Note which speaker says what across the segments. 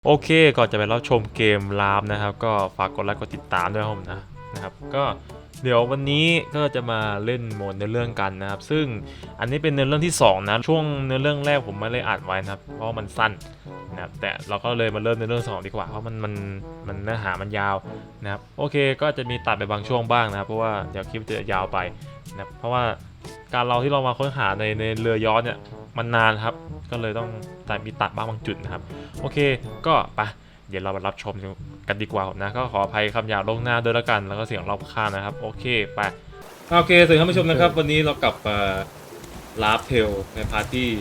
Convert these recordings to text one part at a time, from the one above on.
Speaker 1: โอเคก่อนจะไปรับชมเกมลามนะครับก็ฝากกดไลค์กดติดตามด้วยนะครับก็เดี๋ยววันนี้ก็จะมาเล่นโหมดเนื้อเรื่องกันนะครับซึ่งอันนี้เป็นเนื้อเรื่องที่2นะช่วงเนื้อเรื่องแรกผมไม่ได้อัดไว้นะครับเพราะมันสั้นนะครับแต่เราก็เลยมาเริ่มเนื้อเรื่อง2ดีกว่าเพราะมันเนื้อหามันยาวนะครับโอเคก็จะมีตัดไปบางช่วงบ้างนะครับเพราะว่าเดี๋ยวคลิปจะยาวไปนะครับเพราะว่าการเราที่เรามาค้นหาในเรือย้อนเนี่ยมันนานครับก็เลยต้องมีตัดบ้างบางจุดนะครับโอเคก็ไปเดี๋ยวเรามารับชมกันดีกว่านะก็ขออภัยคำหยาบล่วงหน้าด้วยละกันแล้วก็เสียงรอบข้างนะครับโอเคไปโอเคสวัสดีท่านผู้ชมนะครับวันนี้เรากลับมาลาฟเทลในพาร์ทที่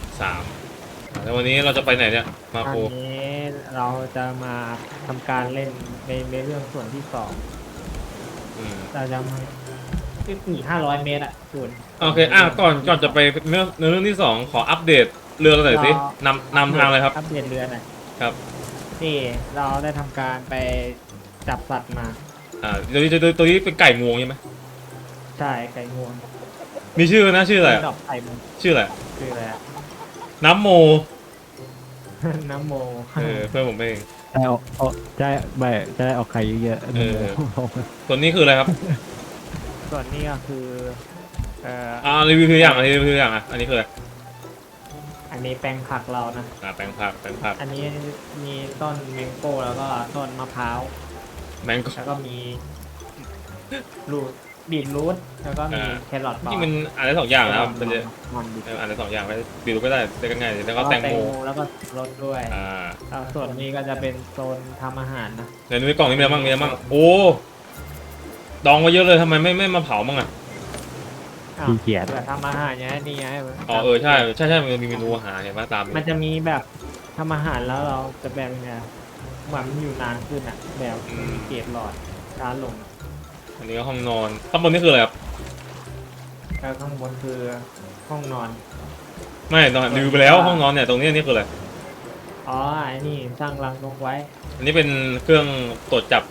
Speaker 1: 3แล้ววันนี้เราจะไปไหนเนี่ยมาโค
Speaker 2: อันนี้เราจะมาทำการเล่นในเรื่องส่วนที่สองเราจะมาอีก500 เมตรอ่ะส่วน
Speaker 1: โอเคก่อนจะไปเรื่องที่2ขออัปเดตเรือกันหน่อยสินำทางเลยครับ
Speaker 2: อัปเดตเรือหน่อย
Speaker 1: ครับ
Speaker 2: นี่เราได้ทำการไปจับสัตว์มา
Speaker 1: ตัวนี้เป็นไก่งวงใช่ไหม
Speaker 2: ใช่ไก่งวง
Speaker 1: มีชื่อนะชื่ออะไร
Speaker 2: ดอกไข่มัน
Speaker 1: ชื่ออะไร
Speaker 2: คืออะไรอะ
Speaker 1: น้ำโม
Speaker 2: น้ำโม
Speaker 1: เพื่อนผมเอง
Speaker 3: ได้ออกจะได้ออกไข่เยอะ
Speaker 1: ตัวนี้คืออะไรครับ
Speaker 2: ส่วนนี้ก็คือ
Speaker 1: รีวิวตัวอย่างอันนี้คืออะไร
Speaker 2: อันนี้แปลงผักเรานะ
Speaker 1: แปลงผัก
Speaker 2: อันนี้มีต้นแมงโก้แล้วก็ต้นมะพร้าว
Speaker 1: แมงโก้
Speaker 2: แล้วก็มีรูทบีทรูทแล้วก็มีแครอท
Speaker 1: ที่มันอ่านได้2 อย่างนะครับมันจะ
Speaker 2: มันบีท
Speaker 1: อ่านได้2 อย่างไม่บีรูก็ได้ได้ง่ายแล้วก็แตงโม
Speaker 2: แล้วก็รสด้วย
Speaker 1: แล้ว
Speaker 2: ส่วนนี้ก็จะเป็นโซนทำอาหารนะ
Speaker 1: ในกล่องนี้มีอะไรบ้างโอ้ดองไว้เยอะเลยทำไมไม่มาเผาบ้างอ่ะ
Speaker 3: ขี้เกียจ
Speaker 2: เผื่อทำอาหารอย่างนี้ไง
Speaker 1: ใช่มันมีเมนูอาหารเห็นไหมตาม
Speaker 2: มันจะมีแบบทำอาหารแล้วเราจะแบบยังไงเหมือนมันอยู่นานขึ้นอ่ะแบบมีเกรดหลอดช้าลง
Speaker 1: อันนี้ก็ห้องนอนข้างบนนี่คืออะไรครับ
Speaker 2: แล้วข้างบนคือห้องนอน
Speaker 1: ไม่นอนรีวิวไปแล้วห้องนอนเนี่ยตรงนี้นี่คืออะไร
Speaker 2: อ๋อไอ้นี่สร้างรังนกไว้
Speaker 1: อันนี้เป็นเครื่องตรวจจับ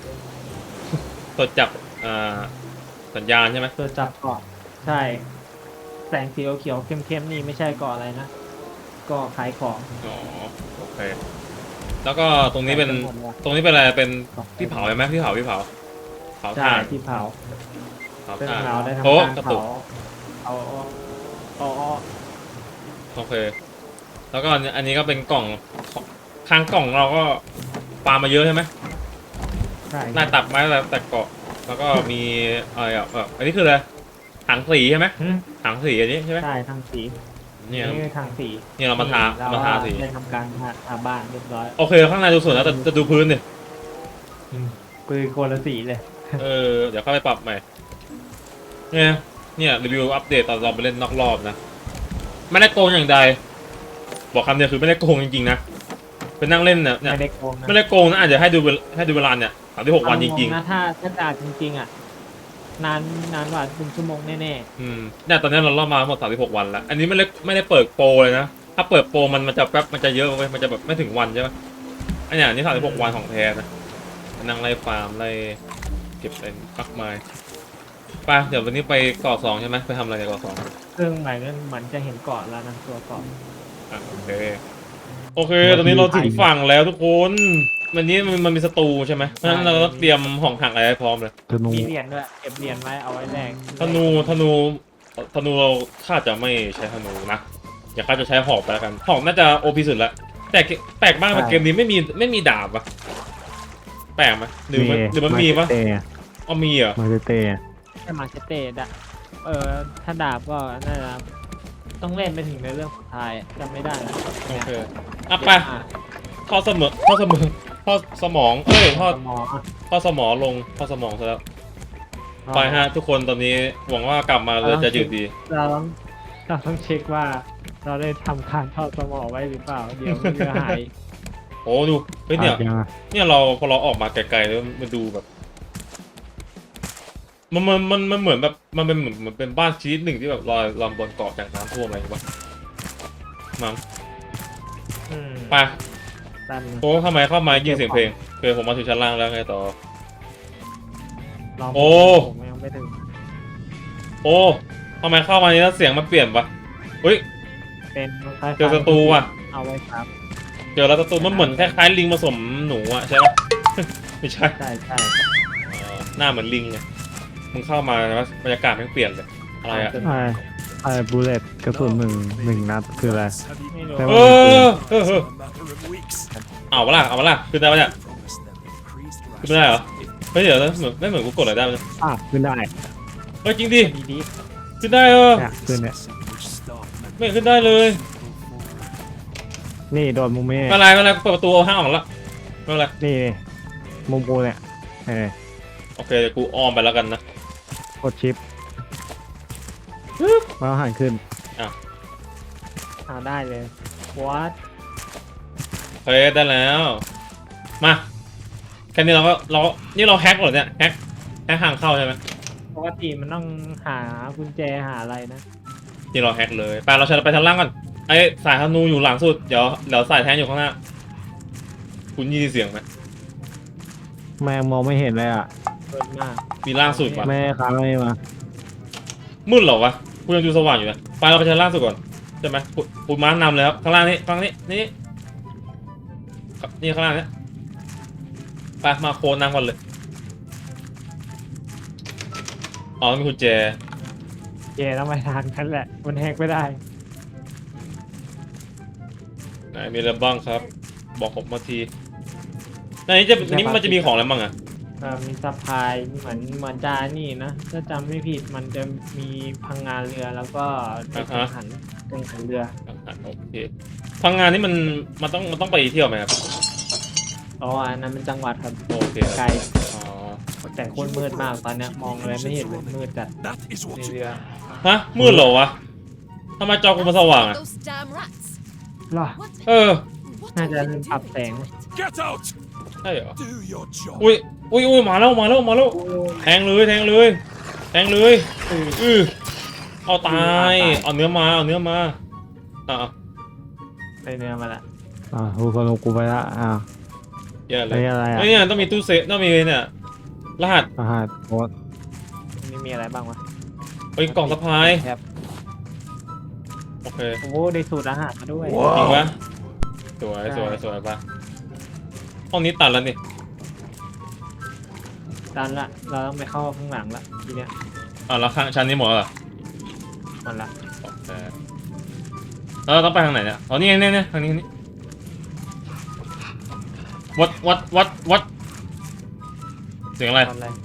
Speaker 1: สัญญาณใช่ไหม
Speaker 2: ตัวจับเกาะใช่ แสงสีเขียวเข้มๆนี่ไม่ใช่เกาะอะไรนะเกาะขายของ
Speaker 1: อ๋อโอเคแล้วก็ตรงนี้เป็นอะไรเป็นที่เผาใช่ไหมที่เผา
Speaker 2: ใช่
Speaker 1: ถ่าน
Speaker 2: ที่เผา
Speaker 1: เผา
Speaker 2: ซึ่ง
Speaker 1: ถ่าน
Speaker 2: เราได้ทำ
Speaker 1: โอ้
Speaker 2: การ
Speaker 1: กระ
Speaker 2: เผา
Speaker 1: ตุก
Speaker 2: เอา
Speaker 1: โอเคแล้วก็อันนี้ก็เป็นกล่องข้างกล่องเราก็ปามาเยอะใช่ไหม
Speaker 2: ใช่
Speaker 1: หน้าตับไม้แต่เกาะแล้วก็มีอะไรอันนี้คืออะไรถังสีใช่ไหมถังสีอันนี้ใช่ไหม
Speaker 2: ใช่ทางสี
Speaker 1: เนี่ย
Speaker 2: นี่คือทางสี
Speaker 1: เนี่ยเรามาทาสี
Speaker 2: ได้ทำการทาบ้านเรียบร้อย
Speaker 1: โอเคข้างในดูสวยแล้วแต่จะดูพื้นดิ
Speaker 2: ปืนคนละสีเลย
Speaker 1: เดี๋ยวเข้าไปปรับใหม่เนี่ยรีวิวอัปเดตตอนเราไปเล่นนอกรอบนะไม่ได้โกงอย่างใดบอกคำเดียวคือไม่ได้โกงจริงๆนะเป็นนั่งเล่นเนี่ย
Speaker 2: ไม่ได้โกงนะ
Speaker 1: ไม่ได้โกงนะอาจจะให้ดูเวลาเนี่ย36 วันจริง
Speaker 2: นะถ้าด่าจริงๆอ่ะนานกว่า1 ชั่วโมงแน่
Speaker 1: เนี่ยตอนนี้เราเล่ามาทั้งหมด36 วันแล้วอันนี้ไม่ได้เปิดโปรเลยนะถ้าเปิดโปรมันจะแป๊บมันจะเยอะไปมันจะแบบไม่ถึงวันใช่ไหมอันนี้36 วันของแท้นะนั่งไล่ฟาร์มไล่เก็บอะไรมากมายไปเดี๋ยววันนี้ไปเกาะ2ใช่ไหมไปทำอะไรในเกาะ2
Speaker 2: ๆซึ่งหมายถึงเหมือนจะเห็นเกาะแล้วนะตัวเกาะ
Speaker 1: โอเคตอนนี้เราถึงฝั่งแล้วทุกคนวันนี้มันมีสตูใช่ไหมเพราะฉะนั้นเราต้องเตรียมของถังอะไรให้พร้อมเลย
Speaker 3: ธนู
Speaker 2: มีเหรียญด้วยเก็บเหรียญไว้เอาไว้แลก
Speaker 1: ธนูเราคาดจะไม่ใช้ธนูนะอย่าคาดจะใช้หอกไปแล้วกันหอกน่าจะโอพีสุดละแต่แปลกมากเกมนี้ไม่มีดาบอะแปลกไหมหรือมันมีปะมีเหรอ
Speaker 3: มาเตะ
Speaker 2: แค่มาเชเต้ดะถ้าดาบก็น่าจะต้องเล่นไปถึงในเรื่องสุดท้ายจำไม่ได้
Speaker 1: โอเคไปทอดสมองทอดสมองทอด
Speaker 2: หมอ
Speaker 1: สมองลงทอดสมองซะแล้วไปฮะทุกคนตอนนี้หวังว่ากลับมาเราจะหยุดดี
Speaker 2: เราต้องเช็คว่าเราได้ทำการทอดสมอไว้หรือเปล่าเดี๋ยวมันจะหาย
Speaker 1: โอ้ดูเฮ้ยเนี่ยเราพอเราออกมาไกลๆแล้วมันดูแบบมันเหมือนแบบมันเป็นเหมือนเป็นบ้านชนิดหนึ่งที่แบบลอยบนเกาะจากน้ำท่วมอะไรอย่างเงี้ยมั้งไป โอ้ทำไมเข้ามายินเสียงเพลงผมมาถึงชั้นล่างแล้วไงต่อโอ้
Speaker 2: ผมยังไม่ถึง
Speaker 1: โอ้ทำไมเข้ามานี้แล้วเสียงมันเปลี่ยนปะเฮ้ย
Speaker 2: เป็น
Speaker 1: เจอศัตรูว่ะ
Speaker 2: เอาไว้ครับ
Speaker 1: เจอแล้วตัวมันเหมือนคล้ายๆลิงผสมหนูอะใช่ปะ ไม่ใช่
Speaker 2: ใช่ใช่
Speaker 1: หน้าเหมือนลิงไงมึงเข้ามาแล้วบรรยากาศมันเปลี่ยนเลยอะไรอะ
Speaker 3: ไอ้บูเลตกระสุนหนึ่งนัดคืออะไร
Speaker 2: ไม่รู้
Speaker 3: แต่
Speaker 1: เอ
Speaker 3: ว่า
Speaker 1: เอาปะล่ะเอาปะล่ะขึ้นได้ปะเนี่ยขึ้นไม่ได้เหรอเฮ้ยเดี๋ยวนะไม่เหมือนกูกดอะไรได้มั้ย
Speaker 3: ขึ้นได้
Speaker 1: เฮ้ยจริงดิ
Speaker 2: ดี
Speaker 1: ขึ้นได้
Speaker 3: เนี่ยขึ้นเนี่ย
Speaker 1: ไม่เห็นขึ้นได้เลย
Speaker 3: นี่โดนมุมนี้
Speaker 1: ไม่เป็นไรไม่เป็นไรเปิดประตูเอาห้างออกแล้วไม่เป็นไร
Speaker 3: นี่มุมกูเนี่ย
Speaker 1: โอเคเดี๋ยวกูอ้อมไปแล้วกันนะ
Speaker 3: กดชิปมาหันขึ้น
Speaker 2: เอาได้เลย what
Speaker 1: เฮ้ยได้แล้วมาแค่นี้เรานี่เราแฮกเหรอเนี่ยแฮกทางเข้าใช่ไหม
Speaker 2: ปกติมันต้องหากุญแจหาอะไรนะ
Speaker 1: นี่เราแฮกเลยไปเราไปทางล่างก่อนไอ้สายธนูอยู่หลังสุดเดี๋ยวสายแทงอยู่ข้างหน้าคุณยินเสียงไหม
Speaker 3: แม่งมองไม่เห็นเลยอ่ะ
Speaker 2: เปิดมาก
Speaker 1: มีล่างสุดปะ
Speaker 3: แม่ค้างไม่มา
Speaker 1: มืดเหรอวะกูยังดูสว่างอยู่นะไปเราไปชั้นล่างสุดก่อนใช่ไหมกูม้านำเลยครับข้างล่างนี่ข้างนี้นี่ข้างล่างนี้ไปมาโคนนำก่อนเลยอ๋อมีกุญแจ
Speaker 2: แกต้องไปทางนั้นแหละ มันแฮกไม่ได้
Speaker 1: ไหนมีอะไรบ้างครับ บอกผมมาทีในนี้มันจะมีของอะไรบ้างอะ
Speaker 2: มีซัพพลายเหมือนจานี่นะ ถ้าจำไม่ผิดมันจะมีพังงานเรือแล้วก็กังหันเรือ
Speaker 1: โอเคพังงานนี่มันต้องไปเที่ยวไหมครับ
Speaker 2: อ๋ออันนั้นเป็นจังหวัดครับ
Speaker 1: โอเคค
Speaker 2: ไกล
Speaker 1: รับอ๋อ
Speaker 2: แต่โคตรมืดมากตอนเนี้ยมองอะไรไม่เห็นเลยมืดจัดในเรือ
Speaker 1: ฮะมืดเหรอวะทำไมจอกูมันสว่างอะ
Speaker 4: Those damn rats.
Speaker 2: หรอ
Speaker 4: What?
Speaker 1: เออ
Speaker 4: What
Speaker 2: น่า
Speaker 4: are
Speaker 2: จะ
Speaker 4: they
Speaker 2: ปรับ
Speaker 4: doing
Speaker 2: แสง
Speaker 4: to it?
Speaker 5: Get out!
Speaker 1: ใช่เหรอ
Speaker 5: Do your job.
Speaker 1: อุ้ยมาแล้วแทงเลยเอาตายเอาเนื้อมาอ่ะ
Speaker 2: ในเรือมาละ
Speaker 3: กูคนกูไปละ
Speaker 1: แย่เล
Speaker 3: ไม่
Speaker 1: ย
Speaker 3: อะไรอ่ะ
Speaker 1: เฮ้ยเนี่ยต้องมีตู้เซฟต้องมีเนี่ยรหัส
Speaker 3: รหัสโค้ด
Speaker 2: นี่มีอะไรบ้างวะ
Speaker 1: เฮ้ยกล่องสะพาย
Speaker 2: ครับ
Speaker 1: โอเค
Speaker 2: โอ้โหได้สูตรอาหารมาด้วย
Speaker 1: จริงปะสวยปะห้องนี้ตัดแล้วนี่
Speaker 2: ดันละเราต้องไปเข้าข้างหลังละทีเนี้ย
Speaker 1: แล้วข้างชั้นนี้หมดแล้วเหรอ
Speaker 2: หมดละ
Speaker 1: โอเคแล้วเราต้องไปทางไหนเนี่ยอ๋อนี่ทางนี้วัดเสียงอะไร
Speaker 2: ทำอะไร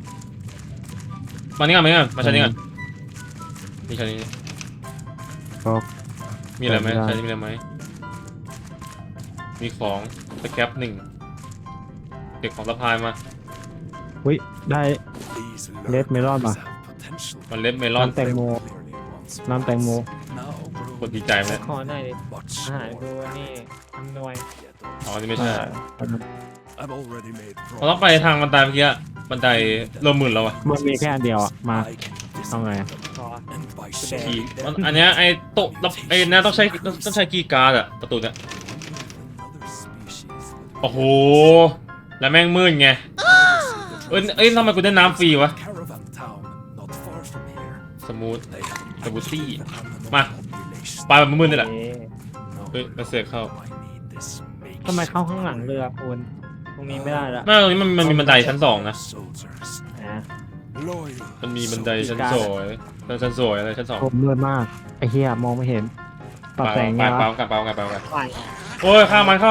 Speaker 1: มานี่ก่อนมาชั้นนี้ก่อนนี่ชั้นนี้
Speaker 3: ก็
Speaker 1: มีอะไรไหม
Speaker 3: ไม่ได้
Speaker 1: ชั้นนี้มีอะไรไหมมีของสแครป1เด็กของสะพายมา
Speaker 3: อุ้ยได้
Speaker 5: These
Speaker 3: Let me run,
Speaker 5: lurkers
Speaker 3: ma.
Speaker 5: have potential.
Speaker 1: มันเล็บเมลอน
Speaker 3: น้ำแตงโม
Speaker 5: Clearly wants
Speaker 3: น้ำแตงโม
Speaker 5: now
Speaker 1: กดดีใจไหม
Speaker 2: ขอหน่อยดิ
Speaker 5: much
Speaker 2: อาหารกู
Speaker 5: slower.
Speaker 2: นี่อำนวย
Speaker 1: อ๋อนี่ไม่ใช่
Speaker 5: I've already made
Speaker 1: เราต้องไปทางบันไดเมื่อกี้บันไดเริ่มมึนแล้วอะ
Speaker 3: มันมีแค่อันเดียวอ่ะมา
Speaker 5: I can
Speaker 3: เอาไง
Speaker 2: ขอ
Speaker 5: and by
Speaker 1: คีย์
Speaker 5: sharing them,
Speaker 1: อันเนี้ยไอ้โต๊ะไอ้เนี่ยต้องใช้คีย์การ์ดอะประตูเนี่ย
Speaker 5: another species that
Speaker 1: โอ้โหแล้วแม่งมืดไงเอ้ยทำไมกูได้น้ำฟรีวะ
Speaker 5: caravan town not far from here.
Speaker 1: สมูท
Speaker 5: They have an
Speaker 1: Tabuti.
Speaker 5: active animal
Speaker 1: Ma.
Speaker 5: population.
Speaker 1: ปลาแบบมืดๆนี่แหละ
Speaker 2: เอ๊ะ
Speaker 5: No,
Speaker 1: เฮ้ยมาเสือกเข้า
Speaker 5: I need this
Speaker 2: ทำไมเข้าข้างหลังเรือคุณตรงนี้ไม่ได้ละ
Speaker 1: ไม่ตรงนี้มันมีบันไดชั้น2นะ
Speaker 5: soldiers.
Speaker 2: อ่ะ
Speaker 5: Loyal
Speaker 1: มันมีบันไดชั้น
Speaker 2: การ์ด
Speaker 1: สวยอะไรชั้น2
Speaker 3: ผมมืดมากไอ้เหี้ยมองไม่เห็นปรับแสงไง
Speaker 1: ไป
Speaker 3: วะ
Speaker 1: กัน
Speaker 2: ไป
Speaker 1: โอ้ยฆ่ามัน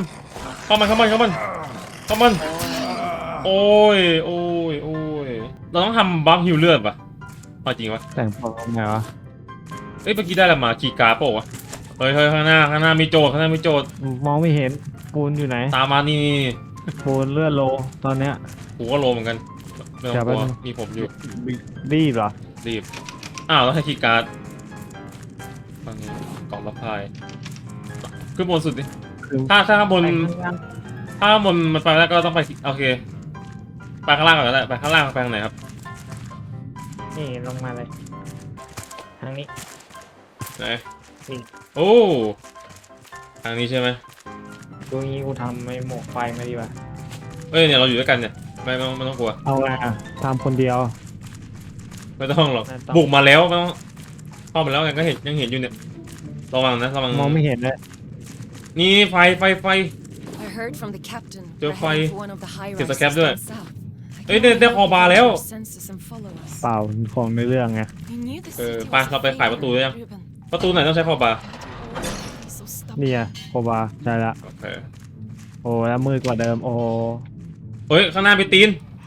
Speaker 1: โอ้ยเราต้องทำบัฟฮิวเลือดปะเอาจริงวะ
Speaker 3: แต่งตัวไงวะ
Speaker 1: เอ้ยเมื่อกี้ได้อะไรมาคีย์การ์ดเปล่าวะเฮ้ยข้างหน้ามีโจทย์
Speaker 3: มองไม่เห็นปูนอยู่ไหน
Speaker 1: ตามมานี่
Speaker 3: ปูนเลือดโลตอนเนี้ย
Speaker 1: กูก็โลเหมือนกันไม่ต้องกลัวมีผมอยู่
Speaker 3: รีบเหรอ
Speaker 1: รีบแล้วให้คีย์การ์ดฟังนี้กล่องรับพายขึ้นบนสุดดิ
Speaker 3: คือ
Speaker 1: ถ้าข้างบน
Speaker 2: ไปข้างล่าง
Speaker 1: ถ้าข้างบนมันไปแล้วก็ต้องไปโอเคไปข้างล่างก่อนก็ได้ไปข้างล่างไปทางไหนครับ
Speaker 2: นี่ลงมาเลย ทางนี้
Speaker 1: ไหน
Speaker 2: นี่
Speaker 1: โอ้ทางนี้ใช่ไหม
Speaker 2: ดูงี้กูทำไม่หมวกไฟมาดีกว่า
Speaker 1: เอ้ยเนี่ยเราอยู่ด้วยกันเนี่ยไม่ต้องกลัว
Speaker 3: เอาไงอะทำคนเดียว
Speaker 1: ไม่ต้องหรอกบุกมาแล้วไม่ต้องเข้ามาแล้วไงก็ยังเห็นอยู่เนี่ยระวังนะ
Speaker 3: มองไม่เห็นเลย
Speaker 1: นี่ไฟ
Speaker 4: I heard from the captain.
Speaker 1: Yo,
Speaker 4: We're
Speaker 1: fai-
Speaker 4: heading for one of the high
Speaker 1: Kìa,
Speaker 4: rises
Speaker 1: scabด้วย
Speaker 4: down south. I
Speaker 1: Ê,
Speaker 4: can
Speaker 1: đây- đây
Speaker 4: only
Speaker 1: kho bà
Speaker 4: hope
Speaker 1: léo.
Speaker 4: our senses and follow us.
Speaker 3: เปล่าของในเรื่องไง
Speaker 4: We knew the
Speaker 1: Ờ,
Speaker 4: city
Speaker 1: ba,
Speaker 4: was
Speaker 1: เราไปขายประตูหรือยัง
Speaker 4: Ruben.
Speaker 1: ประตูไหนต้องใช้คอบา
Speaker 4: So stubborn.
Speaker 3: นี่ไงโคบาใช่ละ
Speaker 1: โอเค
Speaker 3: โอ้แล้วมืดกว่าเดิมโอ้
Speaker 1: เฮ้ยข้างหน้ามีตีน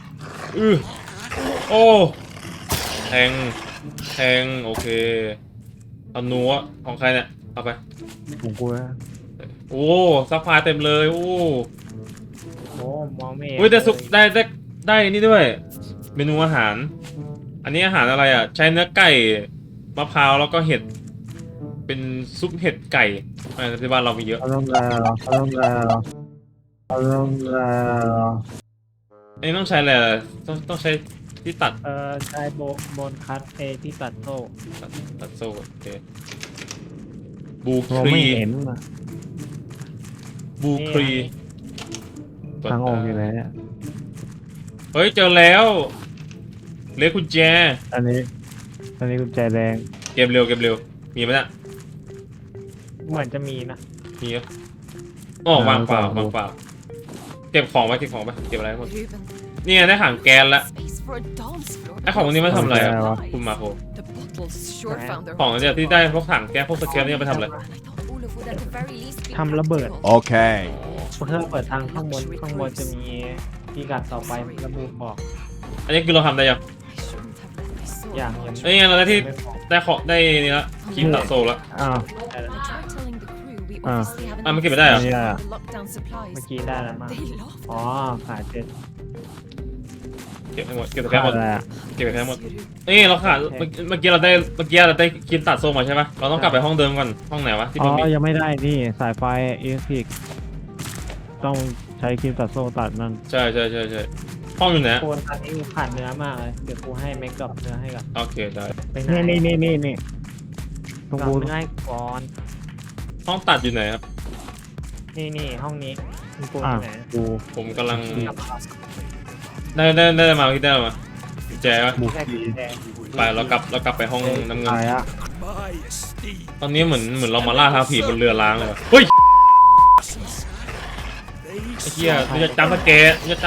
Speaker 1: โอ้แทงโอเคเอานัวของใครเนี่ยเอาไป
Speaker 3: ผมกลัว
Speaker 1: โอ้ซัพพลายเต็มเลยโอ้
Speaker 2: โอ้มองไม่เห็น
Speaker 1: เฮ้ยได้สุก
Speaker 2: เลย
Speaker 1: ได้นี่ด้วย เมนูอาหาร อันนี้อาหารอะไรอ่ะ ใช้เนื้อไก่มะพร้าวแล้วก็เห็ด เป็นซุปเห็ดไก่ที่บ้านเรามีเยอะ
Speaker 3: เขาต้องแล้วเขาต้องแล้วเขาต้องแล้ว
Speaker 1: อันนี้ต้องใช้อะไรอ่ะต้องใช้ที่ตัด
Speaker 2: ใช้โบนคัตที่ตัดโซ่
Speaker 1: ตัดโซ่โอเคบู
Speaker 3: มอง
Speaker 1: ครี
Speaker 3: ไม่เห็นอะ
Speaker 1: บูครี
Speaker 3: ทางออกอยู่ไหนเนี่ย
Speaker 1: เฮ้ยเจอแล้วเลขกุญแจ
Speaker 3: อันนี้กุญแจแดง
Speaker 1: เกมเร็วมีไหมเนี่ย
Speaker 2: เหมือนจะมีนะ
Speaker 1: มีเหรออ๋อวางเปล่าเก็บของไว้เก็บอะไรหมด
Speaker 4: Ruben.
Speaker 1: นี่ไงได้ถังแก๊สละ
Speaker 4: Space for a dance floor.
Speaker 1: ไอ้ของพวกนี้มันทำอะไรอ่ะ
Speaker 3: วะ
Speaker 1: คุณมาโค
Speaker 4: The bottles sure found their
Speaker 1: ของเนี่ยที่ได้พวกถังแก๊สพวกสแครปเนี่ยไปทำอะไร
Speaker 4: And I thought Olaf would at the very least be
Speaker 2: ทำระเบิด
Speaker 4: practical.
Speaker 5: Okay.
Speaker 2: เพื่อเปิดทางข้างบนจะมีพิกัดต่อไประบุบอก
Speaker 1: อันนี้คือเราทำได้ยัง
Speaker 4: I shouldn't have let my soul
Speaker 2: อย่าง
Speaker 4: out.
Speaker 1: เอ้ยเราได้ที่
Speaker 2: ไม่พอ
Speaker 1: ได้ของได้นี่ละครีมตัดโซ่ละ
Speaker 3: อ้าว
Speaker 4: I tried telling the crew we
Speaker 3: Ah.
Speaker 4: obviously have
Speaker 1: Ah, ma che vedai, ah?
Speaker 3: Yeah.
Speaker 4: the lockdown supplies.
Speaker 2: เมื่อกี้ได้แล้วมั้ง
Speaker 4: They laughed.
Speaker 2: อ๋อขาดเจ็ด
Speaker 1: เก็บให้หมดเก็บแต่แค่หมด
Speaker 3: อะไรอะ
Speaker 1: เก็บแต่แค่หมด
Speaker 4: Yes, you do.
Speaker 1: นี่เราขาดเมื่อกี้เราได้ครีมตัดโซ่มาใช่ไหมเราต้องกลับไปห้องเดิมก่อนห้องไหนวะที่
Speaker 3: อ๋
Speaker 1: มันมี
Speaker 3: อยังไม่ได้นี่สายไฟอิเล็กทริกต้องใช้ครีมตัดโซ่ตัดนั่น
Speaker 1: ใช่ห้องอยู่ไหน
Speaker 2: โคนตอนนี้ขาดเนื้อมากเลยเดี๋ยวกูให้แม็กกับเนื้อให้กับ
Speaker 1: โอเคได้
Speaker 2: ไปไหน
Speaker 3: นี่ตรง
Speaker 2: กับ
Speaker 3: กู
Speaker 2: เนื้อให้ก่อน
Speaker 1: ห้องตัดอยู่ไหนครับ
Speaker 2: นี่ห้องนี้มึงกู
Speaker 3: อ่ะ
Speaker 2: ที่ไหน
Speaker 3: กู
Speaker 1: ผมกำลัง
Speaker 2: กลับมา
Speaker 1: ได้มาที่ได้มากุญแจวะ
Speaker 3: บุก
Speaker 2: แค่
Speaker 3: ที
Speaker 2: แดง
Speaker 1: ไปเรากลับไปห้องน้ำเงิน
Speaker 3: ตายอะ
Speaker 5: My esteem.
Speaker 1: ตอนนี้เหมือนเรามาล่าท้าผีบนเรือล้างเลยว่ะเฮ้ย
Speaker 5: They
Speaker 1: ไอ้เหี้ยมันจะจำสเกต
Speaker 5: the only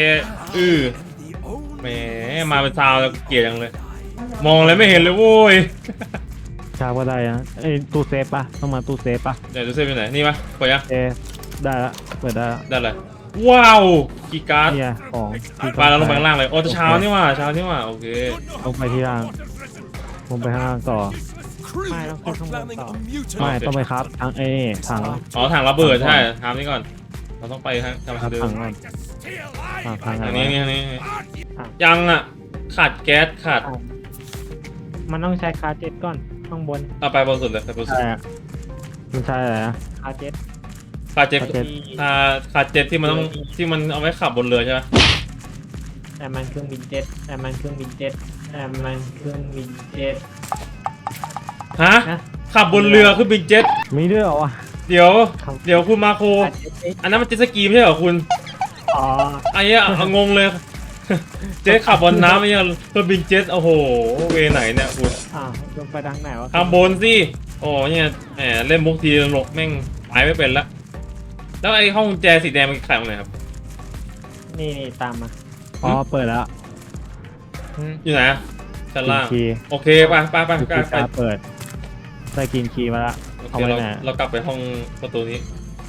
Speaker 1: แหมมาเป็นซาวแล้วเกลียดจังเลย มองอะไรไม่เห็นเลยโว้ย
Speaker 3: ชาก็ได้นะไอ้ยตู้เซฟปะต้องมาตู้เซฟปะ
Speaker 1: เดี๋ยวดูเซฟอยู่ไหนนี่ปะเปิดยัง
Speaker 3: ได้ละเปิดได้ละ
Speaker 1: ได้เลยว้าวกีย์การ์ด
Speaker 3: เนี่ยของที่
Speaker 1: ไปแล้วลงไปข้างล่างเลยโอ้จะเช้านี่หว่าโอเค
Speaker 3: ลงไปที่ล่างลงไปข้างล่างต่อ
Speaker 5: crew
Speaker 2: Mày nó
Speaker 5: are
Speaker 2: không
Speaker 5: planning
Speaker 2: tỏ.
Speaker 5: a mutiny.
Speaker 3: ไม่ต้องไปครับทางถัง
Speaker 1: อ๋อถังระเบิดใช่ทำนี่ก่อนเราต้องไปทาง
Speaker 3: ครับ
Speaker 1: เดิ
Speaker 3: ถั
Speaker 1: ม
Speaker 3: งก่อนทางไหน
Speaker 1: อัน
Speaker 3: วะ
Speaker 1: นี้ยังอ่ะขาดแก๊สขาด
Speaker 2: มันต้องใช้คาเจ็ตก่อนข้างบน
Speaker 1: เอาไปบนสุดเลยไปบนสุด
Speaker 3: ใช่อะมันใช่อะไรนะ
Speaker 2: คาเจ็ต
Speaker 1: ขาดเจ็ต
Speaker 3: ขาดเจ็ต
Speaker 1: ขาดเจ็ตที่มันเอาไว้ขับบนเรือใช่ไหม
Speaker 2: แต่มันเครื่องบินเจ็ตแต่มันเครื่องบินเจ็ตแต่มันเครื่องบินเจ็ต
Speaker 1: ฮะ
Speaker 2: นะ
Speaker 1: ขับบนเรือคือบินเจ็ต
Speaker 3: มีด้วยเหรอวะ
Speaker 1: เดี๋ยวคุณมาโค
Speaker 2: คาเจ็ตเอ๊ะ
Speaker 1: อันนั้นมันเจ็ตสกีไม่ใช่เหรอคุณ
Speaker 2: อ๋อ
Speaker 1: ไอ้เนี้ยเอางงเลย เจ็ตขับบนน้ำไอ้เนี้ยเครื่องบินเจ็ตโอ้โหเวไหนเนี่ยคุณ
Speaker 2: ลงไปทางไหนวะ
Speaker 1: ข้างบนสิโอ้เนี่ยแหมเล่นมุกทีหลกแม่งไปไม่เป็นละแล้วไอ้ห้องกุญแจสีแดงมันขายตรงไหนครับ
Speaker 2: นี่ตามมา
Speaker 3: อ๋อเปิดแล้ว
Speaker 1: อยู่ไหนอะชั้นล่าง
Speaker 3: คีย์
Speaker 1: โอเคไป
Speaker 3: กูกล้าเปิดได้กินคีย์มาละ
Speaker 1: โอ
Speaker 3: เอา
Speaker 1: เค
Speaker 3: ไว้
Speaker 1: เรา
Speaker 3: ไหน
Speaker 1: เรากลับไปห้องประตูนี้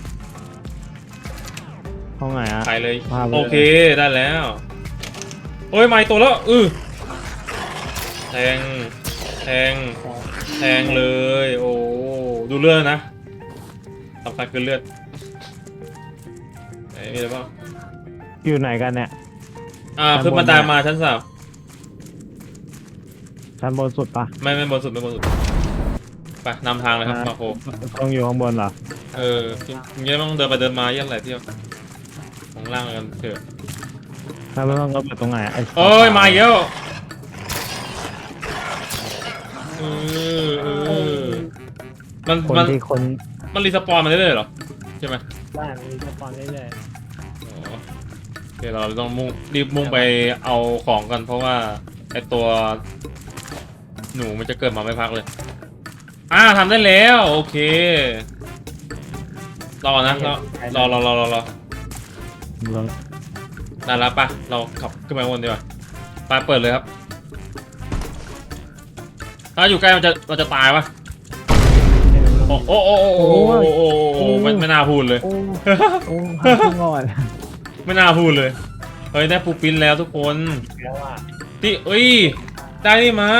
Speaker 3: ห้องไหนอะ
Speaker 1: ไปเลย
Speaker 3: พาไปเลย
Speaker 1: โอเคได้แล้วโอ้ยไม่ตัวแล้วแทงเลยโอ้ดูเลือดนะสำคัญคือเลือดไหนมีอะไรบ้าง
Speaker 3: อยู่ไหนกันเนี่ย
Speaker 1: ขึ้นบันไดมาชั้น 3
Speaker 3: ชั้นบนสุดปะ
Speaker 1: ไม่บนสุดไปนำทางเลยครับมาโค
Speaker 3: ต้องอยู่ข้างบนเหรอ
Speaker 1: ยังไม่ต้องเดินไปเดินมาเยี่ยมไรเที่ยวของล่างกันเถอะ
Speaker 3: ถ้าไม่ต้องก็เปิดตรงไหนไอ้
Speaker 1: โอ้ยมาเยอะมัน
Speaker 3: คน
Speaker 1: มัน
Speaker 3: ที่คน
Speaker 1: มันรีสปอนมาเรื่อยๆเหรอใช่ไหม
Speaker 2: บ้านมีสปอนเรื่อย
Speaker 1: อ๋อโอเคเราต้องรีบมุ่งไปเอาของกันเพราะว่าไอตัวหนูมันจะเกิดมาไม่พักเลยทำได้แล้วโอเครอนะรอได้แล้วปะเราขับขึ้นไปข้างบนดีกว่าไปเปิดเลยครับถ้าอยู่ใกล้มันจะตายปะโอ้ไม่น่าพูดเลย
Speaker 3: โอ้โอ้หาขึ้นก่อน
Speaker 1: ไม่น่าพูดเลยเฮ้ยได้ปูปิ้นแล้วทุกคน
Speaker 2: แล้วอ่ะ
Speaker 1: ที่เอ้ยได้นี่มา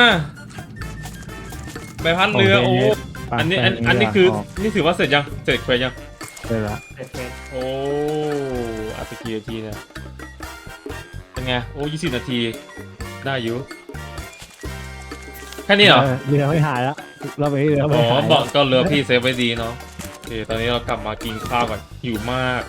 Speaker 1: ใบพัดเรือโอ้อันนี้คือนี่ถือว่าเสร็จยังเสร็จเควสยัง
Speaker 3: เสร็จละ
Speaker 2: เสร็จ
Speaker 1: โอ้อาไปกี่นาทีเนี่ยเป็นไงโอ้20 นาทีได้อยู่แค่นี้เหรอ
Speaker 3: เรือไม่หายแล้วเราไปเรือไม่
Speaker 1: อ๋อ
Speaker 3: หาย
Speaker 1: บอกก็เรือพี่เซฟไว้ดีเนาะโอเคตอนนี้เรากลับมากินข้าวก่อนหิวมาก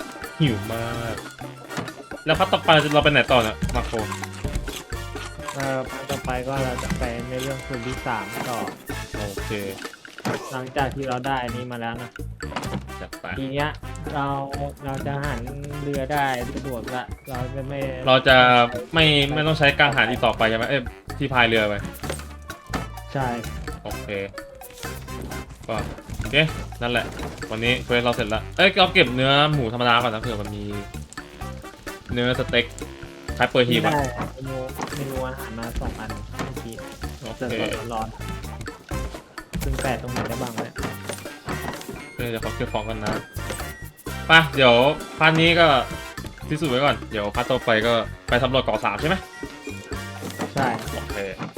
Speaker 1: แล้วพัดต่อไปเราไปไหนต่อเนี่ยมาโค
Speaker 2: พันต่อไปก็เราจะไปในเรื่องส่วนที่3ต่อ
Speaker 1: โอเค
Speaker 2: หลังจากที่เราได้อันนี้มาแล้วนะ
Speaker 1: จัดไป
Speaker 2: ทีเนี้ยเราจะหันเรือได้สะดวกละเราจะไม่
Speaker 1: เราจะไม่ต้องใช้กังหันอีกต่อไปใช่ไหมที่พายเรือไป
Speaker 2: ใช่
Speaker 1: โอเคก็โอเคนั่นแหละวันนี้เควสเราเสร็จแล้วเราเก็บเนื้อหมูธรรมดาก่อนนะเผื่อมันมีเนื้อสเต็กคล้ายเปอร์ฮี
Speaker 2: ที่
Speaker 1: บอะ
Speaker 2: ได้เมนูอาหารมา2 อันเมื่อกี้
Speaker 1: โอ
Speaker 2: เสิร์
Speaker 1: เค
Speaker 2: ฟร้อนๆซึ่งแปะตรงไหนได้บ้างเนี่ย
Speaker 1: เดี๋ยวเขาเก็บของกันนะไปเดี๋ยวพาร์ทนี้ก็ที่สุดไว้ก่อนเดี๋ยวพาร์ทต่อไปก็ไปสำรวจเกาะ3ใช่ไหม
Speaker 2: ใช่
Speaker 1: โอเค